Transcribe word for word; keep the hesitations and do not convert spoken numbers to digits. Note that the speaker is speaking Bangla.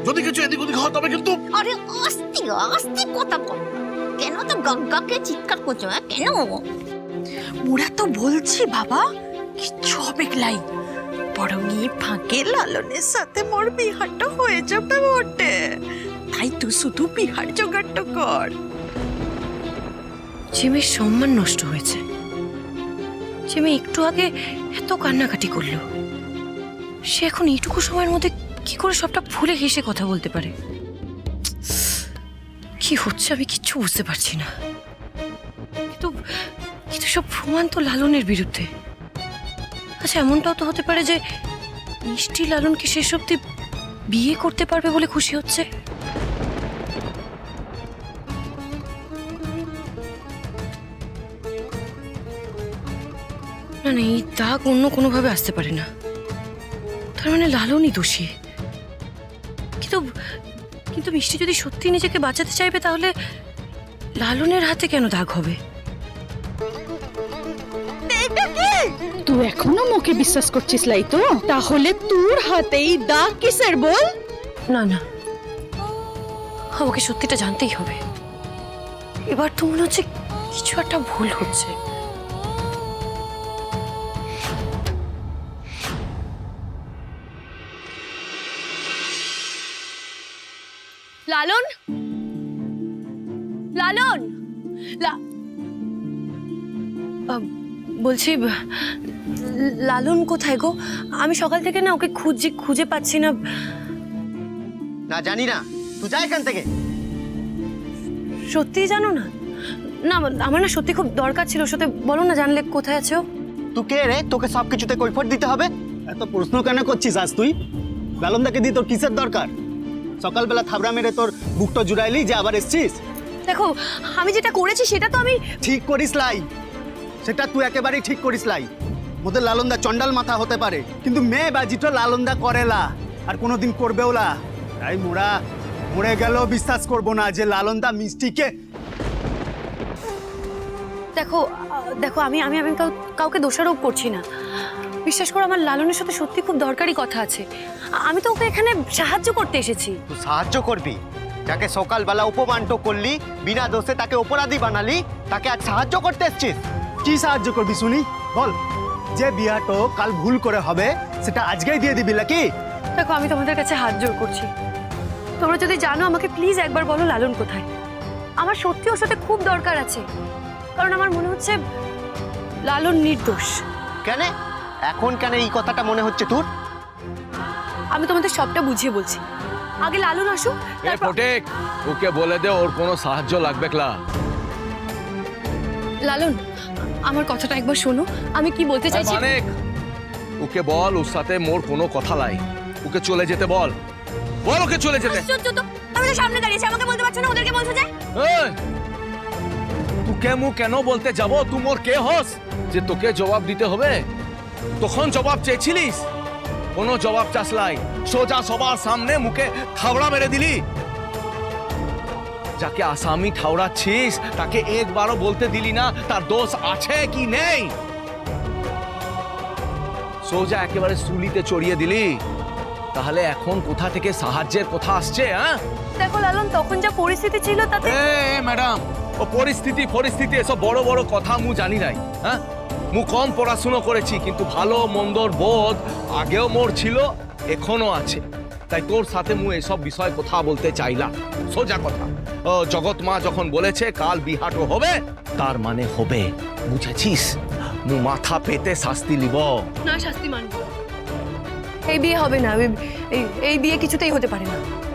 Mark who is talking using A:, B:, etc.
A: যদি কিছু এদিক ওদিক হয় তবে কিন্তু।
B: আরে আস্তে আস্তে কথা বল, কেন তো গগ্গাকে চিৎকার করছো? হ্যাঁ কেন?
C: মোরা তো বলছি বাবা কিচ্ছু হবে লাই, বরং এই ফাঁকে লালনের সাথে মোর বিহারটা হয়ে যাবে বটে। তাই তুই শুধু বিহার জোগাড়টা কর।
D: জিমের সম্মান নষ্ট হয়েছে। জিমে একটু আগে এত কান্নাকাটি করলো, সে এখন এইটুকু সময়ের মধ্যে কি করে সবটা ভুলে হেসে কথা বলতে পারে? কি হচ্ছে আমি কিচ্ছু বুঝতে পারছি না। কিন্তু কিন্তু সব প্রমাণ তো লালনের বিরুদ্ধে। আচ্ছা এমনটাও তো হতে পারে যে মিষ্টি লালনকে শেষ অব্দি বিয়ে করতে পারবে বলে খুশি হচ্ছে। না না, এই দাগ অন্য কোনোভাবে আসতে পারে না। তার মানে লালনই দোষী। কিন্তু কিন্তু মিষ্টি যদি সত্যি নিজেকে বাঁচাতে চাইবে তাহলে লালনের হাতে কেন দাগ হবে?
E: তুই এখনো মুখে বিশ্বাস করছিস লাই তো? তাহলে তোর হাতেই দাগ কিসের বল?
D: না না, আমাকে সত্যিটা জানতেই হবে। এবার তো মনে হচ্ছে কিছু একটা ভুল হচ্ছে। লালন, লালন, লা- আহ, বলছি লালন কোথায় গো? আমি সকাল থেকে না ওকে খুঁজছি, খুঁজে পাচ্ছি না।
F: না জানি না, তুই যা এখান থেকে।
D: সত্যি জানো না? না আমার না সত্যি খুব দরকার ছিল, ওর সাথে বলো না জানলে কোথায় আছো।
F: তুই কে রে? তোকে সব কিছুতে কৈফিয়ত দিতে হবে?
G: এত প্রশ্ন কেন করছিস আজ তুই? লালনদাকে দিয়ে তোর কিসের দরকার? সকালবেলা থাবড়া মেরে তোর বুকটা জুড়াইলি যে আবার এসছিস?
D: দেখো আমি যেটা করেছি সেটা তো আমি
G: ঠিক করিস লাই, সেটা তুই একেবারেই ঠিক করিস লাই। মোদের লালনদা চন্ডাল মাথা হতে পারে, কিন্তু মেয়ে বাজিটা লালনদা করেলা আর কোনোদিন করবেও না। তাই মোরা মরে গেলেও বিশ্বাস করবো না যে লালনদা মিষ্টিকে।
D: দেখো আহ, দেখো আমি আমি আমি কাউ- কাউকে দোষারোপ করছি না। বিশ্বাস করো আমার লালনের সাথে সত্যি খুব দরকারি কথা আছে। আ- আমি তো ওকে এখানে সাহায্য করতে এসেছি।
F: তুই সাহায্য করবি? যাকে সকালবেলা অপমানটো করলি, বিনা দোষে তাকে অপরাধী বানালি, তাকে আজ সাহায্য করতে এসছিস?
G: কি সাহায্য করবি শুনি বল? যে বিয়াটো কাল ভুল করে হবে সেটা আজকেই দিয়ে দিবি নাকি?
D: দেখো আমি তোমাদের কাছে হাত জোড় করছি, তোমরা যদি জানো আমাকে প্লিজ একবার বলো লালন কোথায়। আমার সত্যি ওর সাথে খুব দরকার আছে, কারণ আমার মনে হচ্ছে লালন নির্দোষ।
F: কেন এখন কেন এই কথাটা মনে হচ্ছে তোর?
D: আমি তোমাদের সবটা বুঝিয়ে বলছি, আগে লালন আসুক
H: এ
D: তারপর।
H: ফটেক, ওকে বলে দে ওর কোনো সাহায্য লাগবে ক্লা।
D: লালন আমার কথাটা একবার শোনো, আমি কি বলতে চাইছি।
H: মানিক, ওকে বল ওর সাথে মোর কোনো কথা নাই, ওকে চলে যেতে বল। বল ওকে চলে যেতে।
D: আশ্চর্য তো, আমি তো সামনে দাঁড়িয়েছি, আমাকে বলতে পারছো না, ওদেরকে বলছো যে।
H: এই, তোকে মু কেন বলতে যাব? তুই মোর কে হস যে তোকে জবাব দিতে হবে? তখন জবাব চেয়েছিলিস, কোনো জবাব চাসলাই, সোজা সবার সামনে মুখে থাবড়া মেরে দিলি। যাকে আসামি ঠাউরাচ্ছিস তাকে একবারও বলতে দিলি না তার দোষ আছে কি নেই। সোজা একেবারে সুলিতে চড়িয়ে দিলি। তাহলে এখন কোথা থেকে সাহায্যের কথা আসছে? হ্যাঁ
D: দেখো লালন, তখন যা পরিস্থিতি ছিল তাতে।
H: এ ম্যাডাম, ও পরিস্থিতি পরিস্থিতি এসব বড় বড় কথা মু জানি নাই। হ্যাঁ মু কম পড়াশুনো করেছি, কিন্তু ভালো মন্দর বোধ আগেও মোর ছিল, এখনো আছে। তাই তোর সাথে মু এসব বিষয় কথা বলতে চাইলাম। সোজা কথা, ও জগৎ মা যখন বলেছে কাল বিহাটো হবে, তার মানে হবে, বুঝেছিস? মু মাথা পেতে শাস্তি লিব।
D: না শাস্তি মানব, এই বিয়ে হবে না, এই- এই বিয়ে কিছুতেই হতে পারে না।